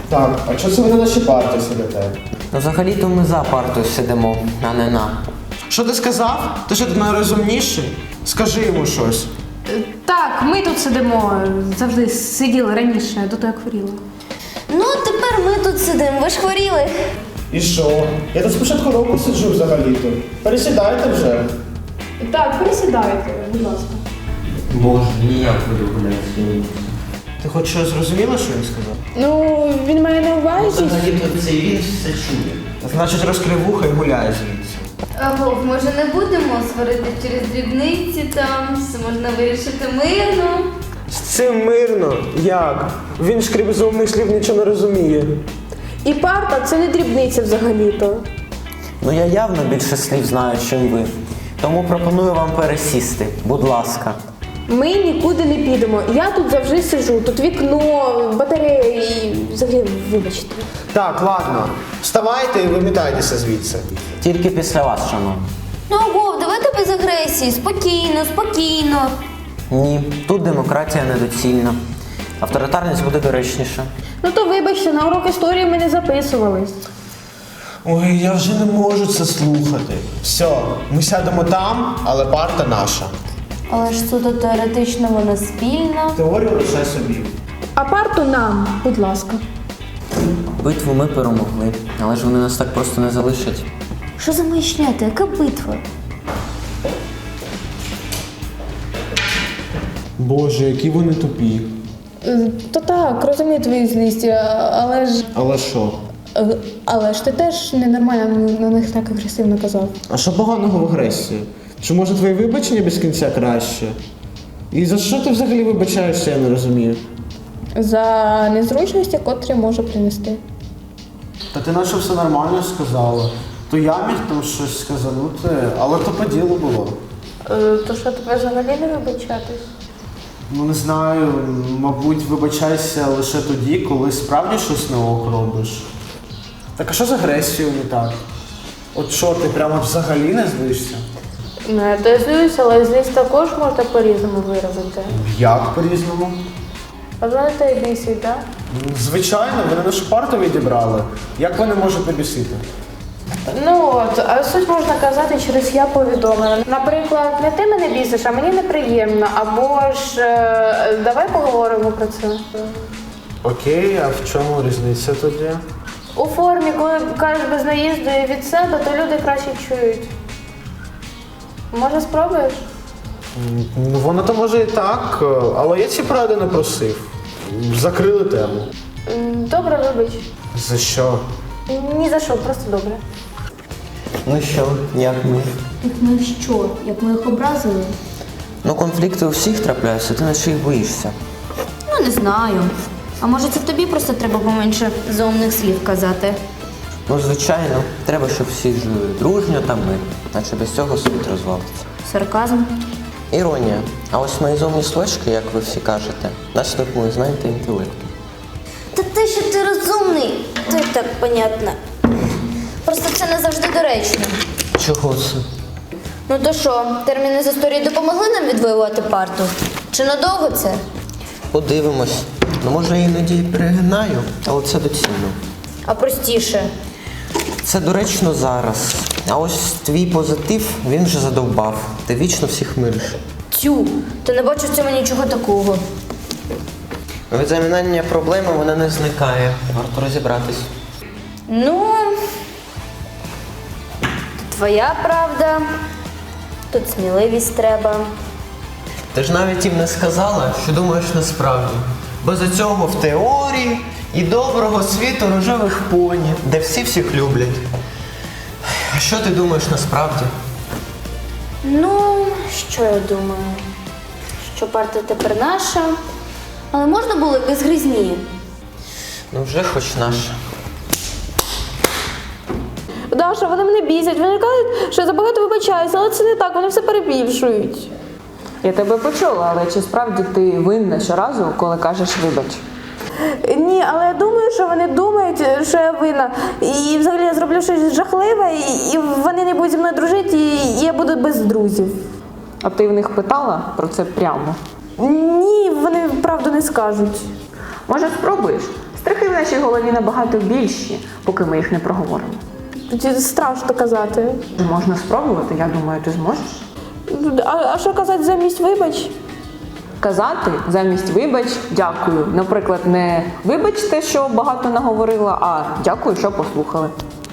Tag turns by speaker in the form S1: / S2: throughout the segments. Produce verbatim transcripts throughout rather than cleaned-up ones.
S1: Так, а чого це ви на нашій парті сидите?
S2: Ну, взагалі-то ми за партою сидимо, а не на.
S1: Що ти сказав? Ти що, ти найрозумніший? Скажи йому щось.
S3: Так, ми тут сидимо, завжди сиділи раніше, до того як хворіли.
S4: Ну, тепер ми тут сидимо, ви ж хворіли.
S1: І що? Я тут з початку року сиджу взагалі-то. Пересідайте вже.
S3: Так, пересідайте, будь ласка.
S2: Боже, ніяк ви гуляєте.
S1: Ти хоч щось зрозуміла, що він сказав?
S3: Ну, він має на увазі.
S2: Взагалі-то це він все чує.
S1: Значить, розкрив вуха і гуляє звідси.
S4: Вов, може не будемо сварити через дрібниці там, все можна вирішити мирно.
S1: З цим мирно? Як? Він ж крім зумних слів нічого не розуміє.
S3: І парта це не дрібниця взагалі-то.
S2: Ну я явно більше слів знаю, чим ви. Тому пропоную вам пересісти, будь ласка.
S3: Ми нікуди не підемо. Я тут завжди сиджу, тут вікно, батарея і взагалі, вибачте.
S1: Так, ладно. Вставайте і вимітайтеся звідси.
S2: Тільки після вас, шановні.
S4: Ну, Вов, давайте без агресії, спокійно, спокійно.
S2: Ні, тут демократія недоцільна. Авторитарність буде доречніша.
S3: Ну то вибачте, на урок історії ми не записувались.
S1: Ой, я вже не можу це слухати. Все, ми сядемо там, але парта наша.
S4: Але ж суто теоретично вона спільна.
S1: Теорію лише собі.
S3: А парту нам, будь ласка.
S2: Битву ми перемогли, але ж вони нас так просто не залишать.
S4: Що за маячня-то? Яка битва?
S1: Боже, які вони тупі.
S3: То так, розумію твої злісті, але ж.
S1: Але що?
S3: Але ж ти теж ненормально на них так агресивно казав.
S1: А що поганого в агресії? Чи може твоє вибачення без кінця краще? І за що ти взагалі вибачаєшся, я не розумію.
S3: За незручності, котрі може принести.
S1: Та ти наче все нормально сказала. То я міг там щось сказанути, але то по ділу було.
S3: То що тебе взагалі не вибачатись?
S1: Ну не знаю, мабуть, вибачайся лише тоді, коли справді щось на ок робиш. Так а що з агресією не так? От що, ти прямо взагалі не злишся?
S3: Ну, я теж злюсь, але злість також можна по-різному виразити.
S1: Як по-різному?
S3: Бажаєте і бісить, так?
S1: Звичайно, вони нашу парту відібрали. Як вони можуть не бісити?
S3: Ну от, а суть можна казати через я повідомлення. Наприклад, не ти мене бісиш, а мені неприємно. Або ж е, давай поговоримо про це.
S1: Окей, а в чому різниця тоді?
S3: У формі, коли кажеш без наїзду і від себе, то люди краще чують. Може, спробуєш?
S1: Ну, воно то може і так, але я ці поради не просив. Закрили тему.
S3: М, Добре, вибач.
S1: За що?
S3: Ні за що, просто добре.
S2: Ну що, як ми?
S4: Як ми що? Як ми їх образили?
S2: Ну конфлікти у всіх трапляються, ти наче їх боїшся.
S4: Ну, не знаю. А може це тобі просто треба поменше зомних слів казати?
S2: Ну звичайно, треба, щоб всі жили дружньо та мир, наче без цього світ розвалиться.
S4: Сарказм?
S2: Іронія. А ось мої зовні словечки, як ви всі кажете, наслідок мої знань та інтелекту.
S4: Та те, що ти розумний, то й так понятно. Просто це не завжди доречно.
S2: Чого це?
S4: Ну то що, терміни з історії допомогли нам відвоювати парту? Чи надовго це?
S2: Подивимось. Ну може я іноді і перегинаю, але це доцільно.
S4: А простіше?
S2: Це доречно зараз. А ось твій позитив, він вже задовбав. Ти вічно всіх мириш.
S4: Тю, ти не бачу в цьому нічого такого.
S2: Від замінання проблеми вона не зникає. Варто розібратись.
S4: Ну, твоя правда, тут сміливість треба.
S2: Ти ж навіть їм не сказала, що думаєш насправді. Бо за цього в теорії і доброго світу рожевих поні, де всі всіх люблять. А що ти думаєш насправді?
S4: Ну, що я думаю? Що парта тепер наша, але можна було і без гризні.
S2: Ну вже хоч наша.
S3: Даша, вони мене бісять, вони кажуть, що я забагато вибачаюся, але це не так, вони все перебільшують.
S5: Я тебе почула, але чи справді ти винна щоразу, коли кажеш вибач?
S3: Ні, але я думаю, що вони думають, що я винна. І взагалі я зроблю щось жахливе, і, і вони не будуть зі мною дружити, і я буду без друзів.
S5: А ти в них питала про це прямо?
S3: Ні, вони правду не скажуть.
S5: Може, спробуєш? Страхи в нашій голові набагато більші, поки ми їх не проговоримо.
S3: Тоді страшно казати.
S5: Можна спробувати, я думаю, ти зможеш.
S3: А, а що казати замість вибач?
S5: Казати замість вибач, дякую. Наприклад, не вибачте, що багато наговорила, а дякую, що послухали.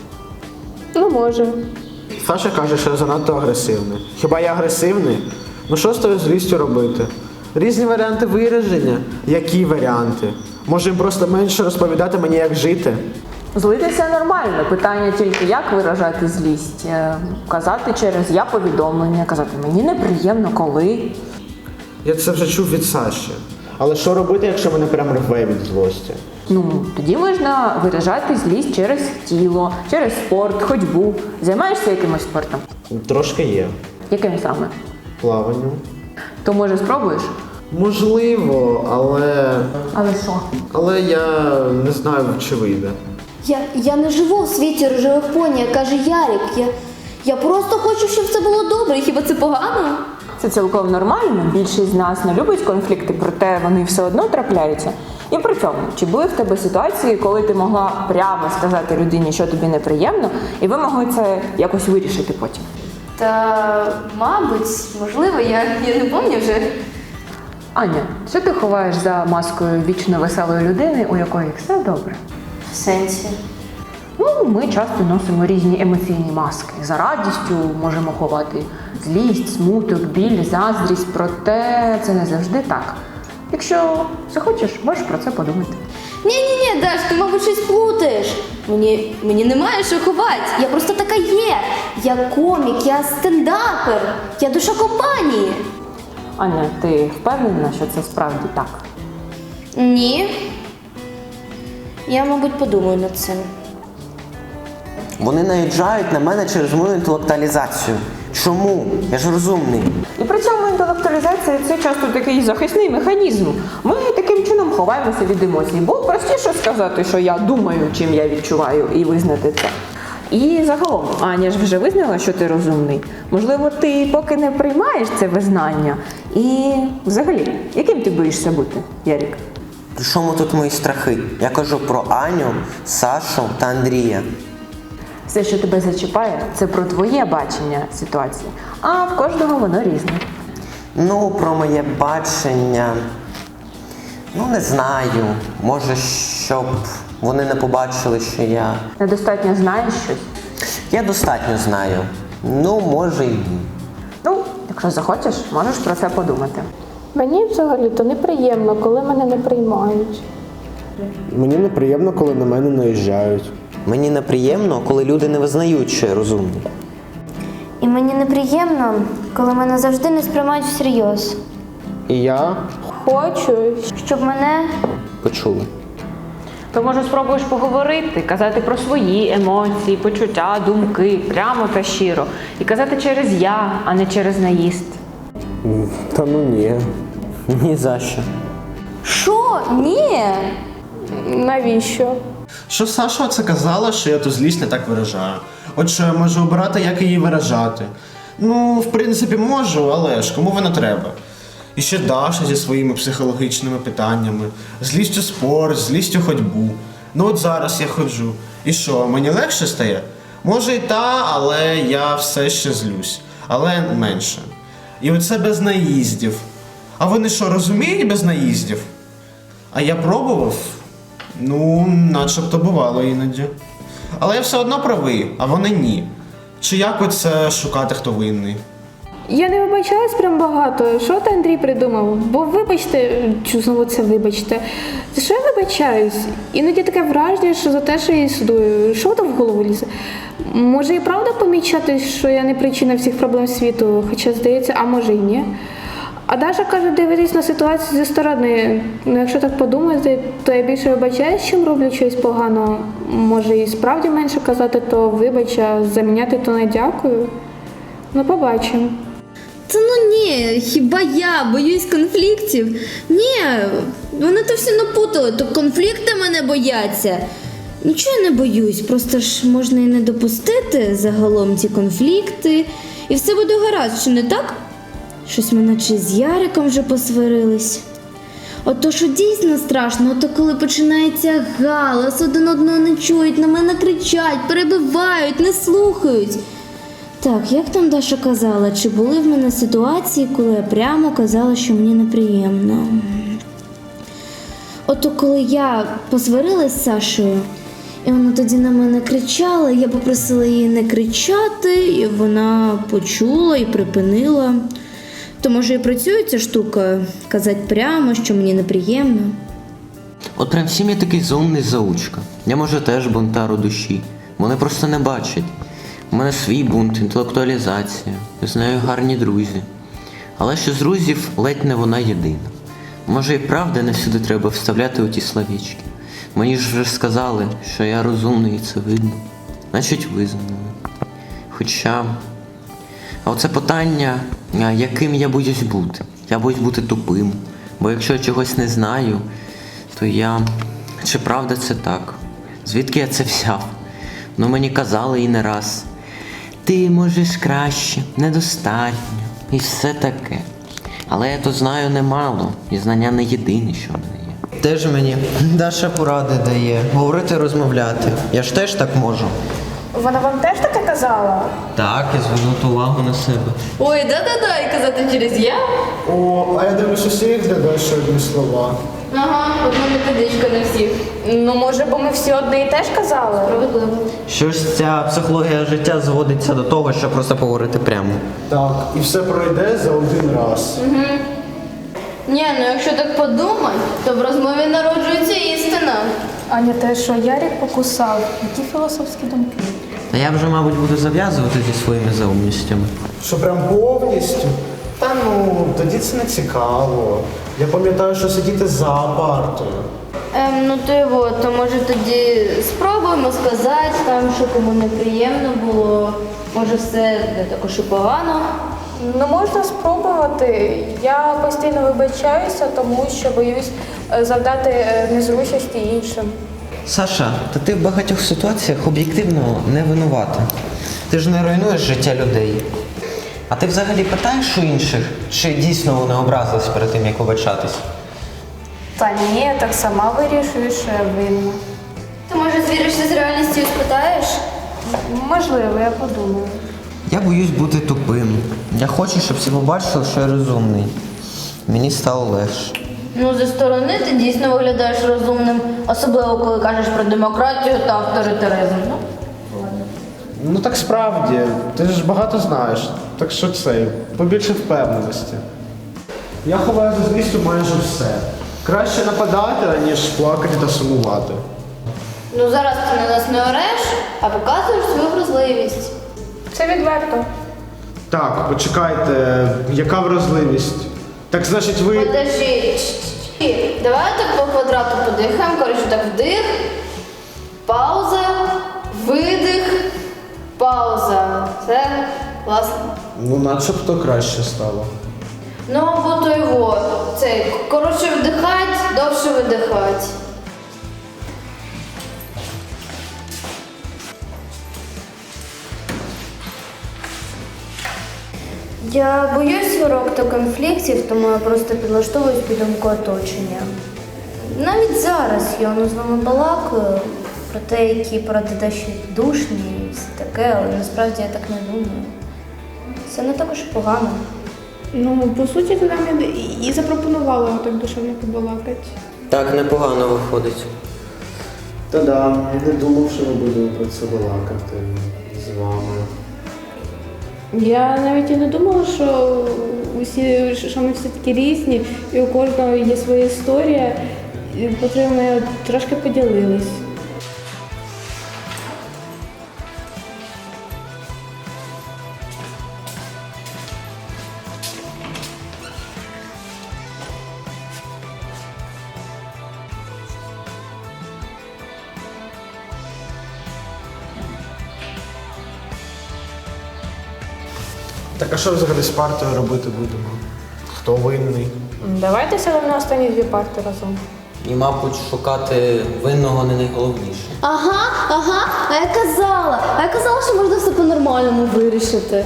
S3: Ну, може.
S1: Саша каже, що я занадто агресивний. Хіба я агресивний? Ну що з тою злістю робити? Різні варіанти вираження. Які варіанти? Може їм просто менше розповідати мені, як жити?
S5: Злитися нормально, питання тільки як виражати злість. Е, Казати через я повідомлення, казати мені неприємно, коли.
S1: Я це вже чув від Саші. Але що робити, якщо мене прям рве від злості?
S5: Ну, тоді можна виражати злість через тіло, через спорт, ходьбу. Займаєшся якимось спортом?
S1: Трошки є.
S5: Яким саме?
S1: Плаванням.
S5: То може спробуєш?
S1: Можливо, але.
S5: Але що?
S1: Але я не знаю, чи вийде.
S4: Я, я не живу у світі рожевих поні, як каже Ярик. Я, я просто хочу, щоб все було добре. Хіба це погано?
S5: Це цілком нормально. Більшість з нас не любить конфлікти, проте вони все одно трапляються. І при цьому, чи були в тебе ситуації, коли ти могла прямо сказати людині, що тобі неприємно, і ви могли це якось вирішити потім?
S4: Та, мабуть, можливо, я, я не пам'ятаю вже.
S5: Аня, що ти ховаєш за маскою вічно веселої людини, у якої все добре?
S4: В сенсі.
S5: Ну, ми часто носимо різні емоційні маски. За радістю можемо ховати злість, смуток, біль, заздрість, проте це не завжди так. Якщо захочеш, можеш про це подумати.
S4: Ні-ні-ні, Даш, ти, мабуть, щось плутаєш. Мені, мені немає що ховати. Я просто така є. Я комік, я стендапер, я душа компанії.
S5: Аня, ти впевнена, що це справді так?
S4: Ні. Я, мабуть, подумаю над цим.
S2: Вони наїжджають на мене через мою інтелектуалізацію. Чому? Я ж розумний.
S5: І при цьому інтелектуалізація – це часто такий захисний механізм. Ми таким чином ховаємося від емоцій, бо простіше сказати, що я думаю, чим я відчуваю, і визнати це. І загалом, Аня ж вже визнала, що ти розумний. Можливо, ти поки не приймаєш це визнання. І взагалі, яким ти боїшся бути, Ярік?
S2: При чому тут мої страхи? Я кажу про Аню, Сашу та Андрія.
S5: Все, що тебе зачіпає, це про твоє бачення ситуації, а в кожного воно різне.
S2: Ну, про моє бачення. Ну, не знаю. Може, щоб вони не побачили, що я.
S5: Недостатньо знаєш щось?
S2: Я достатньо знаю. Ну, може і ні.
S5: Ну, якщо захочеш, можеш про це подумати.
S3: Мені взагалі-то неприємно, коли мене не приймають.
S1: Мені неприємно, коли на мене наїжджають.
S2: Мені неприємно, коли люди не визнають, що я розумний.
S4: І мені неприємно, коли мене завжди не сприймають всерйоз.
S1: І я
S3: Хочу,
S4: Щоб мене
S2: Почули.
S5: То може спробуєш поговорити, казати про свої емоції, почуття, думки, прямо та щиро. І казати через я, а не через наїзд.
S1: Та ну ні.
S2: Ні за що.
S4: Що? Ні.
S3: навіщо?
S1: Що Саша це казала, що я ту злість не так виражаю. От що я можу обирати, як її виражати. Ну, в принципі, можу, але ж кому воно треба? І ще Даша зі своїми психологічними питаннями. Злість у спорт, злість у ходьбу. Ну от зараз я ходжу. І що, мені легше стає? Може і та, але я все ще злюсь. Але менше. І оце без наїздів. А вони що, розуміють без наїздів? А я пробував? Ну, начебто бувало іноді. Але я все одно правий, а вони ні. Чи як оце шукати, хто винний?
S3: Я не вибачалась прям багато. Що ти, Андрій, придумав? Бо вибачте, чи знову це вибачте. За що я вибачаюсь? Іноді таке враження, що за те, що я існую. Що там в голову лізе? Може і правда помічати, що я не причина всіх проблем світу, хоча здається, а може і ні. А Даша каже, дивитись на ситуацію зі сторони. Ну, якщо так подумати, то я більше вибачаюсь, чим роблю щось погано. Може і справді менше казати, то вибач, а заміняти, то не дякую. Ну, побачимо.
S6: Та ну ні, хіба я боюсь конфліктів? Ні, вони то всі напутали, то конфлікти мене бояться. Нічого я не боюсь, просто ж можна і не допустити загалом ці конфлікти, і все буде гаразд, що не так? Щось ми наче з Яриком вже посварились. Ото що дійсно страшно, ото коли починається галас, один одного не чують, на мене кричать, перебивають, не слухають. Так, як там Даша казала, чи були в мене ситуації, коли я прямо казала, що мені неприємно? Ото коли я посварилась з Сашею, і вона тоді на мене кричала, я попросила її не кричати, і вона почула і припинила. То може і працює ця штука, казати прямо, що мені неприємно.
S2: От прям всім я такий заумний заучка. Я, може, теж бунтар у душі. Вони просто не бачать. У мене свій бунт, інтелектуалізація. З нею гарні друзі. Але що з друзів ледь не вона єдина. Може і правда не всюди треба вставляти оті словічки. Мені ж вже сказали, що я розумний і це видно. Значить визнали. Хоча... А оце питання, а яким я боюсь бути. Я боюсь бути тупим. Бо якщо я чогось не знаю, то я... Чи правда це так? Звідки я це взяв? Ну мені казали і не раз. Ти можеш краще, недостатньо і все таке. Але я то знаю немало, і знання не єдине, що в мене є. Теж мені Даша поради дає, говорити, розмовляти. Я ж теж так можу.
S3: Вона вам теж таке казала?
S2: Так, і звернути увагу на себе.
S4: Ой, да-да-да, і казати через я.
S1: О, а я дивлюсь, усіх додаєш одні слова.
S4: Ага, одна методичка на всіх.
S3: Ну, може, бо ми всі одне і теж казали?
S4: Справедливо.
S2: Щось ця психологія життя зводиться до того, що просто поговорити прямо.
S1: Так, і все пройде за один раз.
S4: Ні, ну якщо так подумати, то в розмові народжується істина.
S3: Аня, те, що Ярик покусав. Які філософські думки?
S2: Та я вже, мабуть, буду зав'язувати зі своїми заумністями.
S1: Що прям повністю? Та ну, тоді це не цікаво. Я пам'ятаю, що сидіти за партою.
S4: Ем, ну то його, то може тоді спробуємо сказати там, що кому неприємно було. Може все не також і погано.
S3: Ну, можна спробувати. Я постійно вибачаюся, тому що боюсь е, завдати е, незручності іншим.
S2: Саша, та ти в багатьох ситуаціях об'єктивно не винувата. Ти ж не руйнуєш життя людей. А ти взагалі питаєш у інших, чи дійсно вони образились перед тим, як вибачатись?
S3: Та ні, я так сама вирішую, що я винна.
S4: Ти може звіришся з реальністю і спитаєш?
S3: Можливо, я подумаю.
S2: Я боюсь бути тупим. Я хочу, щоб всі побачили, що я розумний. Мені стало легше.
S4: Ну, зі сторони ти дійсно виглядаєш розумним, особливо коли кажеш про демократію та авторитаризм. Ну, ладно.
S1: Ну так справді, ти ж багато знаєш. Так що це, побільше впевненості. Я ховаю за злістю майже все. Краще нападати, ніж плакати та сумувати.
S4: Ну зараз ти на нас не ореш, а показуєш свою вразливість.
S3: Це відверто.
S1: Так, почекайте, яка вразливість? Так значить ви.
S4: Подожди. Давай так по квадрату подихаємо. Коротше, так вдих, пауза, видих, пауза. Все класно.
S1: Ну, начебто краще стало.
S4: Ну або то його. Це коротше вдихать, довше видихать. Я боюсь сварок та конфліктів, тому я просто підлаштовуюсь під думку оточення. Навіть зараз я воно з вами балакаю про те, які поради Даші душні і все таке, але насправді я так не думаю. Це не також і погано.
S3: Ну, по суті, ти нам і- і запропонувала так душевно побалакати.
S2: Так непогано виходить.
S1: Та-да, не думав, що ми будемо про це балакати з вами.
S3: Я навіть і не думала, що усі, що ми всі такі різні, і у кожного є своя історія, і про це ми трошки поділились.
S1: Так а що взагалі з партою робити будемо? Хто винний?
S3: Давайте сядемо на останні дві парти разом.
S2: І, мабуть, шукати винного не найголовніше.
S4: Ага, ага, а я казала, а я казала, що можна все по-нормальному вирішити.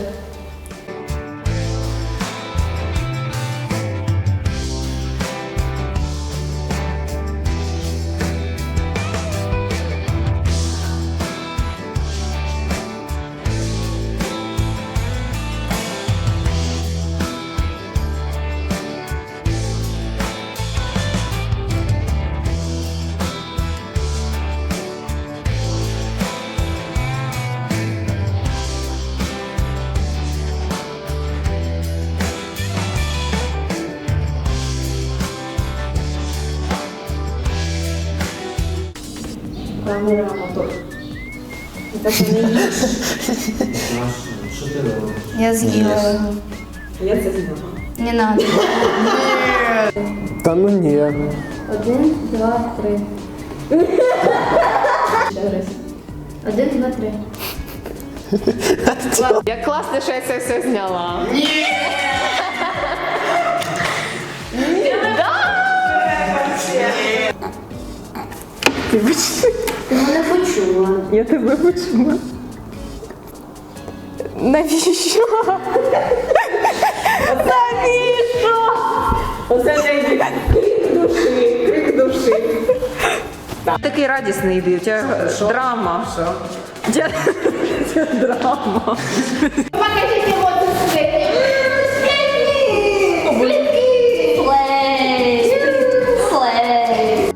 S5: намірила мотор. І так не їж.
S1: Що ти робиш?
S4: Я з'їла його.
S5: Я це зняла.
S4: Не надо.
S1: Та ну ні.
S4: Один, два, три. Один, два, три.
S5: Як класно, що я це все зняла.
S4: Ти мене почула.
S5: Я тебе почула. Навіщо? Навіщо? Оце не крик душі, крик душі. Такий радісний йди, у тебе драма. У тебе драма.
S6: Покажите вот это.
S4: Слей. Слей.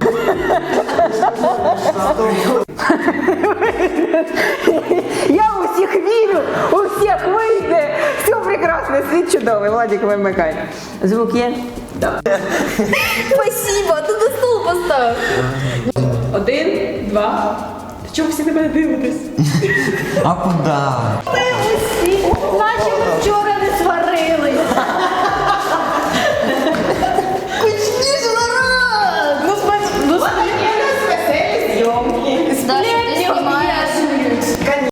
S5: Я у всіх вірю, у всіх вийде. Все прекрасно, світ чудовий. Владик, вимикай. Звук є? Так.
S6: Спасибо, ты на стол поставил.
S5: Один, два. Чому всі на мене дивитесь?
S2: А куди?
S6: Наче ми вчора